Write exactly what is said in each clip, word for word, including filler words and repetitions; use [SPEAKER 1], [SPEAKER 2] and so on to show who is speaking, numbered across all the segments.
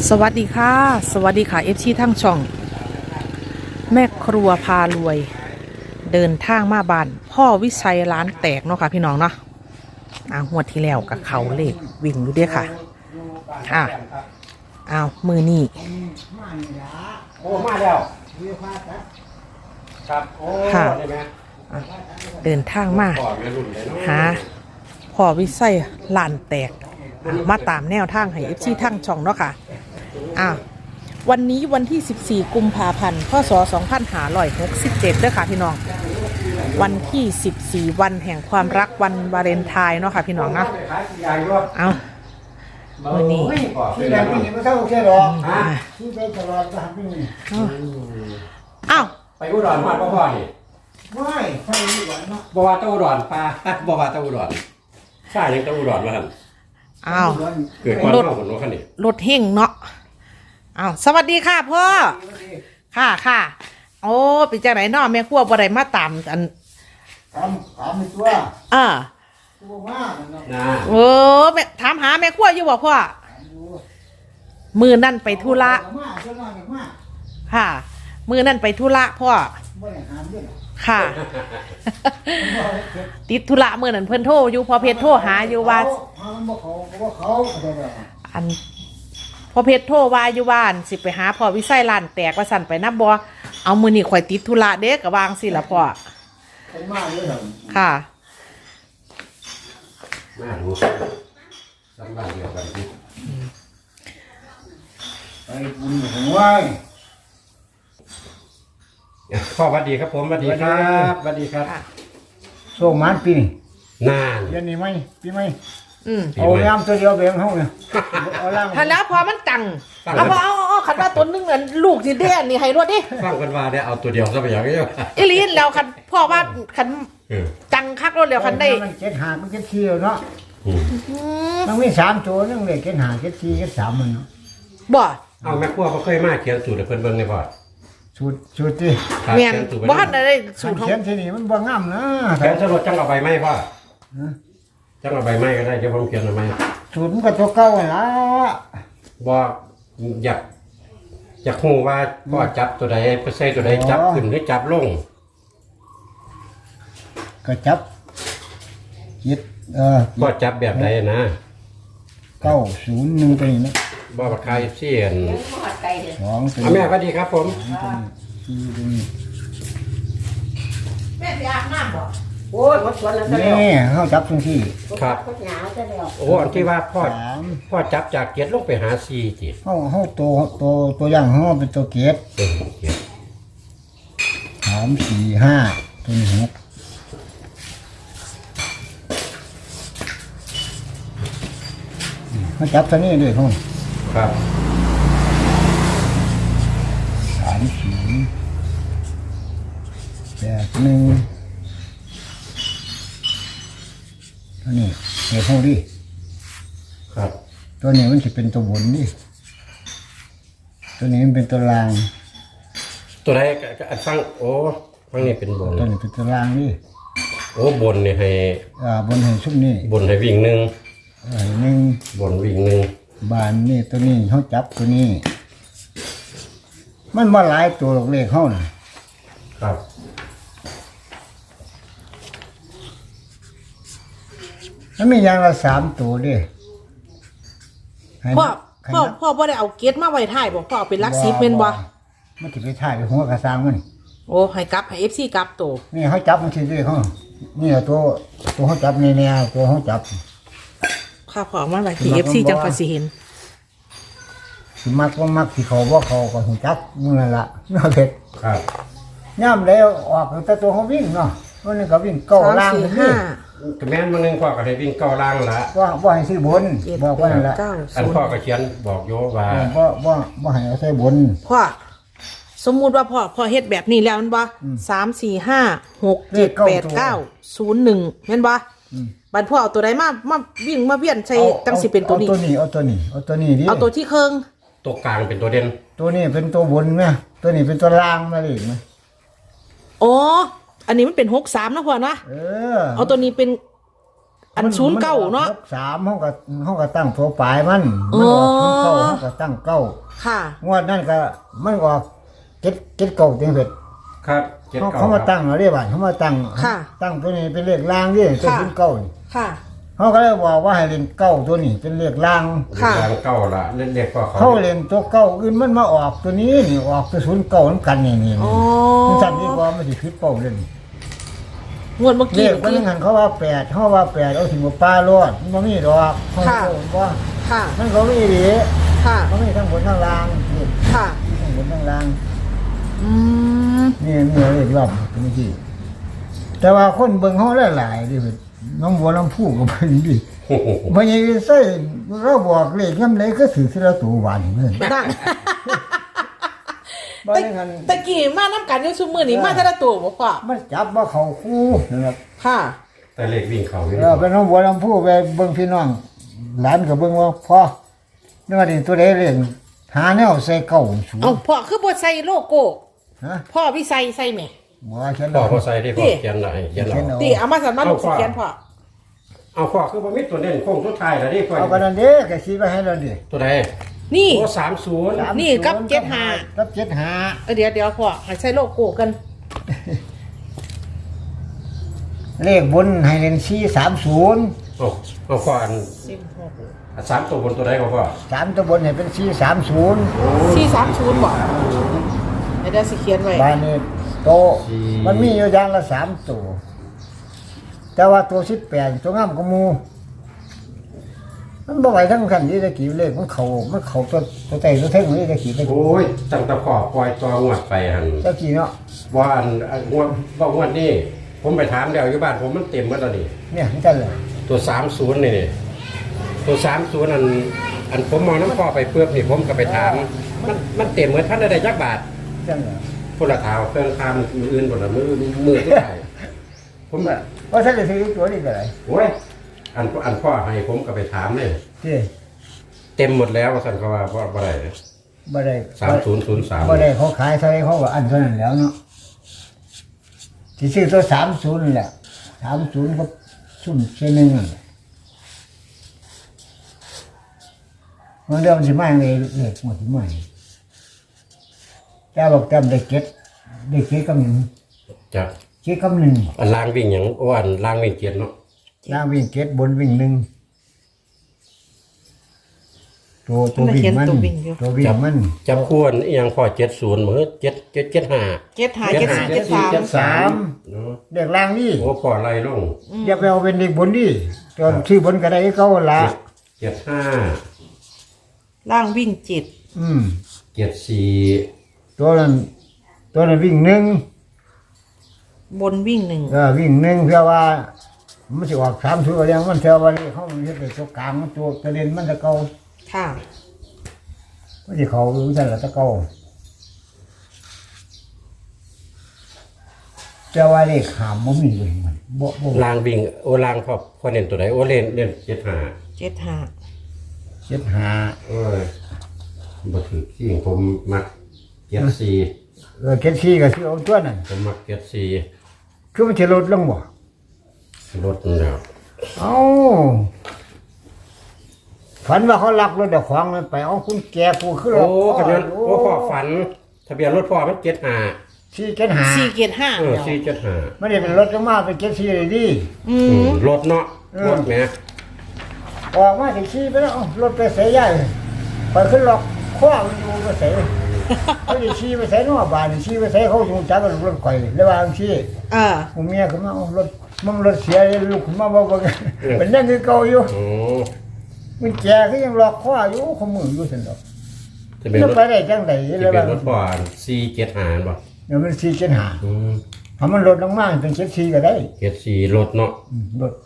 [SPEAKER 1] สวัสดีค่ะสวัสดีค่ะเอฟซีทั้งช่องแม่ครัวพารวยเดินทางมาบ้านพ่อวิชัยร้านแตกเนาะค่ะพี่น้องเนาะอ่างวดที่แล้วกับเขาเลขวิ่งอยู่เด้อค่ะค่ะอ้าวมือนี่
[SPEAKER 2] โอ้มาแล้วครับโอ้
[SPEAKER 1] ค่ะ
[SPEAKER 2] ได้ไหม
[SPEAKER 1] เดินทางมาหาพ่อวิชัยร้านแตกมาตามแนวทางให้เอฟซีทั้งช่องเนาะค่ะอ้าววันนี้วันที่สิบสี่กุมภาพันธ์พศสองพันห้าร้อยหกสิบเจ็ดเด้อค่ะพี่น้องวันที่สิบสี่วันแห่งความรักวันวาเลนไทน์เนาะค่ะพี่น้องนะเอาวันนี้
[SPEAKER 3] ที่ไหนที่นี่ไม่เท่าแค่หรอกที่ไปตลอดทางนี้
[SPEAKER 1] อ้าว
[SPEAKER 2] ไปอุดรมาพ่อพ่อนี่
[SPEAKER 3] ไม่ไปอุดรเนาะ
[SPEAKER 2] บ่ว่าตะอุดรปลาบ่ว่าตะอุดรใช่ยังตะอุดรมาหั่น
[SPEAKER 1] อ้าว
[SPEAKER 2] เกิดความเข้าคนว่าคั่นนี่
[SPEAKER 1] รถเฮงเนาะอ้าวสวัสดีค่ะพ่อค่ะค่ะโอ้เป็นจังไหนเนาะแม่ครัวบ่ได้มาตามอัน
[SPEAKER 3] ถามถามตัว
[SPEAKER 1] อ่า
[SPEAKER 3] ตัวมา
[SPEAKER 2] นะ
[SPEAKER 1] เออแม่ถามหาแม่ครัวอยู่บ่พ่อมือนั่นไปธุระค่ะมือนั่นไปธุระพ่อค่ะติดธุระมือนั่นเพิ่นโทรอยู่พอเพชรโทรหาอยู่ว่าอันพอเพชรโทรว่าอยู่บ้านสิไปหาพ่อวิไสร้านแตกว่าสั่นไปนับบ่เอามือนี่ข่อยติดธุระเด้กะวางสิล่ะพ่อค่ะ
[SPEAKER 2] มาดูสำบ้านเดียวกันดิ
[SPEAKER 3] ไปบุญหัว
[SPEAKER 2] พ่อสวัสดีครับผมสวัสดีครับสวัสดีครับ
[SPEAKER 3] โซ่มันปีนี่
[SPEAKER 2] นาน
[SPEAKER 3] เดือนนี้ไหมปีไหม
[SPEAKER 1] อืม
[SPEAKER 3] เอาย่ำตัวเดียวแบ่งเฮาเนี่ย
[SPEAKER 1] เอาล่างทันแล้วพอมันตังเอาพอเอาเอาขันว่าตัวนึงเหมือนลูกที่แดนนี่ให้รวดดิ
[SPEAKER 2] ฟังกันว่าได้เอาตัวเดียวซะไปอย่างเดียว
[SPEAKER 1] อีลีนแล้วคันพ่อว่าคันจังคักรถแล้วคันได้
[SPEAKER 3] มันเจ็ดหามันเจ็ดสี่เนาะมันมีสามตัวนึงเลยเจ็ดหาเจ็ดสี่เจ็ดสามมันเนาะ
[SPEAKER 1] บ่
[SPEAKER 2] เอาแม่ครัวเขาเคยมาเขียนสูตรให้เพิ่นเบิ่งได้บ่
[SPEAKER 3] สูตรสูตรที่
[SPEAKER 1] แม่นบ่ทันได้สูตรของ
[SPEAKER 3] เขียนที่นี่มันบ่งามนะ
[SPEAKER 2] แขนสลดจังเอาใบไม้พ่อจังเอาใบไม้ก็ได้เดี๋ยวผมเขียนเอาไม้
[SPEAKER 3] สูตรมันก็ตัวเก่าละ
[SPEAKER 2] บอกอยากอยากฮู้ว่าพ่อจับตัวใดไปใส่ตัวใดจับขึ้นหรือจับลง
[SPEAKER 3] ก็จับยึดเออ
[SPEAKER 2] พ่อจับแบบใดนะ
[SPEAKER 3] เก้าศูนย์หนึ่งไปนี่นะ
[SPEAKER 2] บ่บักไข่เสียน
[SPEAKER 3] สองสี่
[SPEAKER 2] แม่สวัสดีครับผม
[SPEAKER 3] สี่ตัวนี้
[SPEAKER 1] แม่ไปอาบน้ำบ่
[SPEAKER 4] โอ้ยหมดสวนแล้ว
[SPEAKER 3] นี่เขาจับตรงที่
[SPEAKER 2] ครับโอ้อันที่ว่าพ่อพ่อจับจากเกียรลงไปหาซีจิ
[SPEAKER 3] เขาเขาตัวตัวตัวอย่างเขาเป็นตัวเกียรสามสี่ห้าตัวนี้หกเขาจับตัวนี้ด้วยเขา
[SPEAKER 2] ครับ
[SPEAKER 3] สามสี่แปดหนึ่งตัวนี้เดี๋ยวเขาดิ
[SPEAKER 2] ครับ
[SPEAKER 3] ตัวนี้มันจะเป็นตัวบนดิตัวนี้มันเป็นตัวล่าง
[SPEAKER 2] ตัวใดอันฟังโอ้ฟังนี่เป็นบน
[SPEAKER 3] ตัวนี้เป็นตัวล่างดิ
[SPEAKER 2] โอ้บนนี่ให้
[SPEAKER 3] อ่าบนให้ชุบนี่
[SPEAKER 2] บนให้วิ่งหนึ่ง
[SPEAKER 3] หนึ่ง
[SPEAKER 2] บนวิ่งหนึ่ง
[SPEAKER 3] บานนี่ตัวนี้เขาจับตัวนี้มันมาหลายตัวหลอกเลขเขาน่ะ
[SPEAKER 2] ครับ
[SPEAKER 3] มันมีอย่างละสามตัวดิ
[SPEAKER 1] พ่อพ่อพ่อบ่ได้เอาเกตมาไว้ท้ายบ่พ่อเอาเป็นลักซิปแม่นบ่
[SPEAKER 3] มันจะไปถ่ายไปหัวกระซังมัน
[SPEAKER 1] โอ้ให้กลับให้ เอฟ ซี กลับตัว
[SPEAKER 3] นี่เขาจับมันทีเดียวเขานี่ตัวตัวเขาจับนี่เนี่ยตัวเขาจับ
[SPEAKER 1] ข้าพอมาไว้ที่ เอฟ ซี จังพอสิเห็น
[SPEAKER 3] สิมักก็มักสิเขาว่าเขาก็หูจักมึงนั่นละเนาะเด็ด
[SPEAKER 2] ครับ
[SPEAKER 3] ย่ำแล้วออกแต่ตัวเขาวิ่งเนาะวันนี้ก็วิ่งเก้าล่างนี่
[SPEAKER 2] ก็แม่นมื้อนึงพ่อก็ให้วิ่งเก้าล่างละ
[SPEAKER 3] ว่าว่าให้ซื้อบนบอกว่านั่นละ
[SPEAKER 2] อันพ่อก็เขียนบอกโยว่า
[SPEAKER 3] ว่าว่าว่าให้เอาใส่บน
[SPEAKER 1] พ่อสมมุติว่าพ่อพ่อเฮ็ดแบบนี้แล้วแม่นบ่สาม สี่ ห้า หก เจ็ด แปด เก้า ศูนย์ หนึ่งแม่นบ่บัดพ่อเอาตัวใดมามาวิ่งมาเวียนใส่จังสิเป็นตัวนี้
[SPEAKER 3] เอาตัวนี้เอาตัวนี้เอาตัวนี้ดิ
[SPEAKER 1] เอาตัวที่เคิง
[SPEAKER 2] ตัวกลางเป็นตัวเด่น
[SPEAKER 3] ตัวนี้เป็นตัวบนไหมตัวนี้เป็นตัวล่างมาเลยไหม
[SPEAKER 1] อ๋ออันนี้มันเป็นหกสามนะพ่อนะ
[SPEAKER 3] เออ
[SPEAKER 1] เอาตัวนี้เป็นอันศูนย์เก้าเนาะ
[SPEAKER 3] หกสามห้องก็ห้องก็ตั้งตัวปลายมันมันออกศูนย์เก้าห้องก็ตั้งเก้า
[SPEAKER 1] ค่ะ
[SPEAKER 3] งวดนั่นก็มันออกเจ็ดเจ็ดเก้าเต็งเสร็จ
[SPEAKER 2] ครับเจ็ด
[SPEAKER 3] เขา
[SPEAKER 2] เก้า
[SPEAKER 3] เขามาตั้งเอาเรียกว่าเขามาตั้ง
[SPEAKER 1] ค่ะ
[SPEAKER 3] ตั้งตัวนี้เป็นเลขล่างนี่ตัว
[SPEAKER 1] ค่ะ
[SPEAKER 3] ศูนย์เก้านี่
[SPEAKER 1] ค่ะ
[SPEAKER 3] เขาก็เลยบอกว่าให้เล่นเก้าตัวนี้เป็นเลขล่าง
[SPEAKER 1] ค่ะ
[SPEAKER 2] ทางเก้าละเล่นเด็กก็เขา
[SPEAKER 3] เขาเล่นตัวเก้าอื่นมันมาออกตัวนี้นี่ออกตัวศูนย์เก้าน้ำกันนี่นี่
[SPEAKER 1] อ๋อ
[SPEAKER 3] มันสั่นดีกว่ามันสิคิดเป้าเล่น
[SPEAKER 1] งวดเมื่อ
[SPEAKER 3] เล
[SPEAKER 1] กี้
[SPEAKER 3] ขมันหันเขาว่าแปดเขาว่าแปดเอาถึงว่าปลารอดมันบ่มีดอกเขา
[SPEAKER 1] ค่ะ
[SPEAKER 3] บอกว่า
[SPEAKER 1] ค่ะ
[SPEAKER 3] มันก็มีดี
[SPEAKER 1] ค่ะ
[SPEAKER 3] มันมีทั้งบนทั้งล่างนี่
[SPEAKER 1] ค่ะ
[SPEAKER 3] ทั้งบนทั้งล่าง
[SPEAKER 1] อืม
[SPEAKER 3] นี่มีอะไรรอบเป็นที่แต่ว่าคนเบิ่งเขาหลายๆดิเว้ยน้องบัวลำพูก็เพิ่นดิ
[SPEAKER 2] โอ้โห
[SPEAKER 3] บ่ยังใส่เราบอกเลขยามใดก็ถือสิละตัวหวานเหมือน
[SPEAKER 1] นั่น
[SPEAKER 3] บ่
[SPEAKER 1] ตะ
[SPEAKER 3] ได้กัน
[SPEAKER 1] ตะกี้มาน้ำกันอยู่ซุมื้อนี้มาแต่ละตัวบ่พ่อ
[SPEAKER 3] มันจับบ่เข้าคู่นะครับ
[SPEAKER 1] ค่ะ
[SPEAKER 2] แต่เลขวิ่งเขาอยู่
[SPEAKER 3] เออเป็นน้องบัวลำพูไปเบิ่งพี่น้องหลานก็เบิ่งว่าพ่อนี่ว่านี่ตัวใดเล่นหาแนวใส่เก่าสูง
[SPEAKER 1] เอาพ่อคือบ่ใส่โลโก้
[SPEAKER 3] ฮะ
[SPEAKER 1] พ่อพี่ใส่ใส่แหม่
[SPEAKER 3] บ่ว่าเขียน
[SPEAKER 2] พ่อ
[SPEAKER 3] เอา
[SPEAKER 2] พอใส่ได้พ่อเขียนหน่อยเขียน
[SPEAKER 3] เขียน
[SPEAKER 2] เอา
[SPEAKER 3] เอา
[SPEAKER 1] ติเอามาสั่นมาลูกสิเขียนพ่อ
[SPEAKER 2] เอาพ่อคือบ่มีตัวเด่นโค้งสุดท้ายแล้วดิพ่อ
[SPEAKER 3] เอากันนั่นเด้ก็คิดไว้ให้เราดิ
[SPEAKER 2] ตัวใด
[SPEAKER 1] นี่
[SPEAKER 2] โอ้สามศูนย์
[SPEAKER 3] สาม
[SPEAKER 1] นี่กับ
[SPEAKER 3] ศูย์
[SPEAKER 1] เจ็ดห้า
[SPEAKER 3] กับเจ็ดห้า
[SPEAKER 1] เออเดี๋ยวเดี๋ยวพ่อให้ใส่โลโก้กัน
[SPEAKER 3] เลขบนให้เล่นสี่สามศูนย์
[SPEAKER 2] โอ้เอาพ่ออัน
[SPEAKER 1] สิบหก
[SPEAKER 2] อันสามตัวบนตัวใดก็พ่อ
[SPEAKER 3] สามตัวบนให้เป็นสี่สามศูนย์
[SPEAKER 1] สี่สามศูนย์บ่เดี๋ยวเดี๋ยวสิเขียนไว้
[SPEAKER 3] บานนี้โตะมันมีอยู่อย่างละสามตัวแต่ว่าตัวสิบแปดตัวงามกว่าหมูมันบ่ไหวทั้งคันนี้ตะกี้เลขมันเขามันเขาตัวตัวใจตัวเท่งนี่ตะกี้ตะกี้
[SPEAKER 2] โอ้ยตั้งแต่พ่อปล่อยตัวงวดไปหัน
[SPEAKER 3] ตะกี้เนาะ
[SPEAKER 2] ว่าอันอันงวดว่างวดนี้ผมไปถามแล้วอยู่บ้านผมมันเต็มหมดแล้วนี่
[SPEAKER 3] เนี่ยนี่กันเลย
[SPEAKER 2] ตัวสามศูนย์นี่นี่ตัวสามศูนย์อันอันผมมองน้ำพ่อไปเพื่อนี่ผมก็ไปถาม มันมันเต็มเหมือนท่านได้ยักบาท
[SPEAKER 3] จังเลย
[SPEAKER 2] คนละเท้าเครื่องคามมืออื่นหมดละมือมือที่ไหนผมแบบ
[SPEAKER 3] ว่าท่านจะซื้อตัวนี้ก็ได้
[SPEAKER 2] โอ้ยอันอันพ่อให้ผมก็ไปถามเลย
[SPEAKER 3] ที่
[SPEAKER 2] เต็มหมดแล้วว่าสันเขาว่าว่าอะไร
[SPEAKER 3] บ่ได้
[SPEAKER 2] สามศูนย์ศูนย์สาม
[SPEAKER 3] บ่ได้เขาขายเท่าไรเขาก็อันเท่านั้นแล้วเนาะที่ซื้อตัวสามศูนย์แหละสามศูนย์ก็ซุ่มเช่นนึงนั่นแหละมันเรื่องสิมาเลยเลขหมดสิมาแต่บอกจำได้เก็ดได้เก็ดกำหนึ่ง
[SPEAKER 2] จะ
[SPEAKER 3] เก็ดกำหนึ่ง
[SPEAKER 2] อันล่างวิ่งอย่างโอ้อันล่างวิ่งเกียรเนาะ
[SPEAKER 3] ล่างวิ่งเก็ดบนวิ่งหนึ่งตัวตัววิ่งมันตัววิ่งมัน
[SPEAKER 2] จับควรอหยังพอเจ็ดศูนย์มือเจ็ดเจ็ดเจ็ดห้า
[SPEAKER 1] เจ็ดหาเจ็ดสี่เจ็ดสาม
[SPEAKER 3] เจ็ดสาม
[SPEAKER 2] เนาะ
[SPEAKER 3] เด็กล่างนี่
[SPEAKER 2] โอ้พอไล่ลง
[SPEAKER 3] อย่าไปเอาเป็นเด็กบนดิจนชื่อบนก็ได้เขาละ
[SPEAKER 2] เจ็ดห้า
[SPEAKER 1] ล่างวิ่งเจ็ด
[SPEAKER 3] อืม
[SPEAKER 2] เจ็ดสี่
[SPEAKER 3] ตัวนั้นตัวนั้นวิ่งหนึ่ง
[SPEAKER 1] บนวิ่งหนึ่ง
[SPEAKER 3] เออวิ่งหนึ่งเพื่อว่ามันจะออกสามตัวเรียงมันเท่าวันนี้เขามันจะเป็นตัวกลางมันตัวกระเด็นมันจะเก่า
[SPEAKER 1] ค่ะ
[SPEAKER 3] มันจะเขารู้จักจะเก่าแต่ว่าเลขหามมันมีเลยมันบ่บ่
[SPEAKER 2] ล่างวิ่งโอ้ล่างพอพอเล่นตัวไหนโอ้เล่นเล่นเจ็ดห้า
[SPEAKER 1] เจ็ดหา
[SPEAKER 3] เจ็ดหา
[SPEAKER 2] เอ้ยบ่ถือที่ผมมักเจ็ดสี่
[SPEAKER 3] เออเจ็ดสี่ก็ซื้อเอาตัวนั้น
[SPEAKER 2] ผมมักเจ็ดสี่
[SPEAKER 3] คือมันจะลดลงบ่
[SPEAKER 2] รถนั่นแหล้ว
[SPEAKER 3] เอ้าฝันว่าเขาลักรถเด็กของมันไปเอาคุณแกกูขึ้น
[SPEAKER 2] โอ้
[SPEAKER 3] รถ
[SPEAKER 2] ขนาดโอ้พ่อฝัน ทะเบียนรถพ่อมันเจ็ดห้า
[SPEAKER 3] สี่เจ็ดหา
[SPEAKER 1] สี่เจ็ดห้า
[SPEAKER 2] เออสี่เจ็ดห้า
[SPEAKER 3] ไม่ได้เป็นรถลงมาเป็นเจ็ดสี่เลยดิ
[SPEAKER 1] อืม
[SPEAKER 2] รถเนาะ
[SPEAKER 3] เออ
[SPEAKER 2] รถแหม่
[SPEAKER 3] ออกมาถึงขี่ไปแล้วเอ้ารถไปเสียใหญ่ไปขึ้นล็อกคว้ามันอยู่ไปเสียเขาจะขี่ไปเสียนอกบ้านขี่ไปเสียเขาอยู่จักรรถข่อยระหว่างขี่
[SPEAKER 1] อ่า
[SPEAKER 3] ผมเมียขึ้นมาเอารถมันรถเสียเลยลูกขึ้นมาบอกว่ามันยังคือเก่าอยู่
[SPEAKER 2] โอ้
[SPEAKER 3] มันแกก็ยังล็อกคว้าอยู่ขมืออยู่สินดอก
[SPEAKER 2] ทะเบียน
[SPEAKER 3] มัน
[SPEAKER 2] รถ
[SPEAKER 3] ไปได้จังได
[SPEAKER 2] ทะ
[SPEAKER 3] ระห
[SPEAKER 2] เบีย
[SPEAKER 3] ว่าน ง
[SPEAKER 2] รถพ่อสี่เจ็ดห้าบ่
[SPEAKER 3] เดี๋ยวมันสี่เจ็ดหา
[SPEAKER 2] อืม
[SPEAKER 3] ถ้ามันลดลงมาเป็นเจ็ดสี่ก็ได้
[SPEAKER 2] เจ็ดสี่รถเนาะ
[SPEAKER 3] อืมลด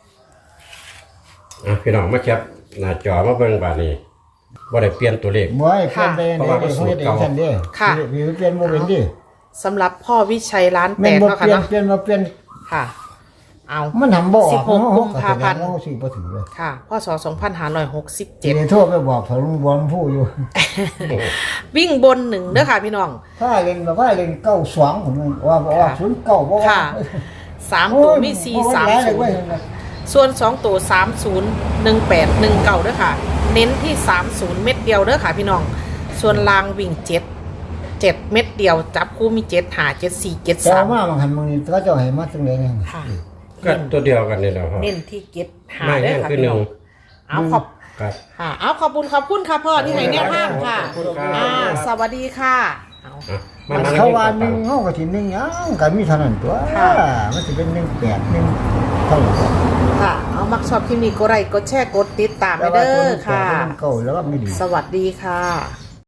[SPEAKER 2] อ่ะพี่น้องมาแคปหน้าจอมาเบิ่งบาดนี้บ่ได้เปลี่ยนตัวเลข
[SPEAKER 3] บ่ให้เปลี่ยนไป
[SPEAKER 2] เพราะว่ามันสูตรเก่า
[SPEAKER 3] ท่านเด้มีเปลี่ยนโมเป็นดิ
[SPEAKER 1] สำหรับพ่อวิชัยร้านแต
[SPEAKER 3] แม่น
[SPEAKER 1] ก
[SPEAKER 3] บ่
[SPEAKER 1] เนาะ
[SPEAKER 3] เป
[SPEAKER 1] ค่ะ
[SPEAKER 3] ลี่ยน
[SPEAKER 1] เนาะ
[SPEAKER 3] เปลี่ยนมาเปลี่ยน
[SPEAKER 1] ค่ะ เอา
[SPEAKER 3] มันทำบ่ออก
[SPEAKER 1] สิบหกกุมภาพันธ์
[SPEAKER 3] เฮสิบ่ถือเลย
[SPEAKER 1] ค่ะพ่อสอสองพันห้าร้อยหกสิบ
[SPEAKER 3] เจ็
[SPEAKER 1] เจ็ด
[SPEAKER 3] โทษไปบอกเขาลุงบอลผู้อยู่
[SPEAKER 1] วิ่งบนหนึ่งเด้อค่ะพี่น้อง
[SPEAKER 3] ถ้าเล่นแบบว่าเล่นเก้าสองผมว่าว่าศูนย์เก้าบ่ว่า
[SPEAKER 1] ค่ะ สามตัวมีสี่สามศูนย์ส่วนสองตัวสามศูนย์หนึ่งแปดหนึ่งเก้าด้วยค่ะ เน้นที่สามศูนย์เม็ดเดียวเด้อค่ะพี่น้องส่วนลางวิ่งเจ็ดเจ็ดเม็ดเดียวจับคู่มีเจ็ดหาเจ็ดสี่เจ็ด
[SPEAKER 3] แต่
[SPEAKER 1] สาม
[SPEAKER 3] มาบางหันบางนี้ก็จะให้มาจังได๋เนี่ย
[SPEAKER 1] ค่ะ
[SPEAKER 2] ก็ตัวเดียวกันนี่แหละครับ
[SPEAKER 1] เน้นที่เจ็ดหา
[SPEAKER 2] ไม่
[SPEAKER 1] เด้อ
[SPEAKER 2] แน่
[SPEAKER 1] ค่ะ
[SPEAKER 2] คือ
[SPEAKER 1] พี่
[SPEAKER 2] หนึ่
[SPEAKER 1] น้
[SPEAKER 2] ง
[SPEAKER 1] องเอาขอบ
[SPEAKER 2] ครับ
[SPEAKER 1] ค่ะเอาขอบคุณขอบคุณค่ะพ่อที่ให้แนวทางค่ะ
[SPEAKER 2] ขอบคุณครับ
[SPEAKER 1] อ่าสวัสดีค่ะเอา
[SPEAKER 2] อ่ะ
[SPEAKER 3] มัน
[SPEAKER 2] ทง
[SPEAKER 3] เขาว่า
[SPEAKER 2] ต่อ
[SPEAKER 3] หนึ่งเฮาก็สิหนึ่งหยังก็มีเท่านั้นตัว
[SPEAKER 1] ค่ะ
[SPEAKER 3] มันสิเป็นหนึ่งแปดหนึ่งเท่าไหร่
[SPEAKER 1] ค่ะ เอามักชอบคลิปนี้กดไลค์กดแชร์กดติดตามไป
[SPEAKER 3] แต่ว่า
[SPEAKER 1] เด้
[SPEAKER 3] ตัว
[SPEAKER 1] อ
[SPEAKER 3] หนึ่งแปด
[SPEAKER 1] ค่ะ
[SPEAKER 3] หนึ่งเก้าแล้วก็ไม่ดี
[SPEAKER 1] สวัสดีค่ะ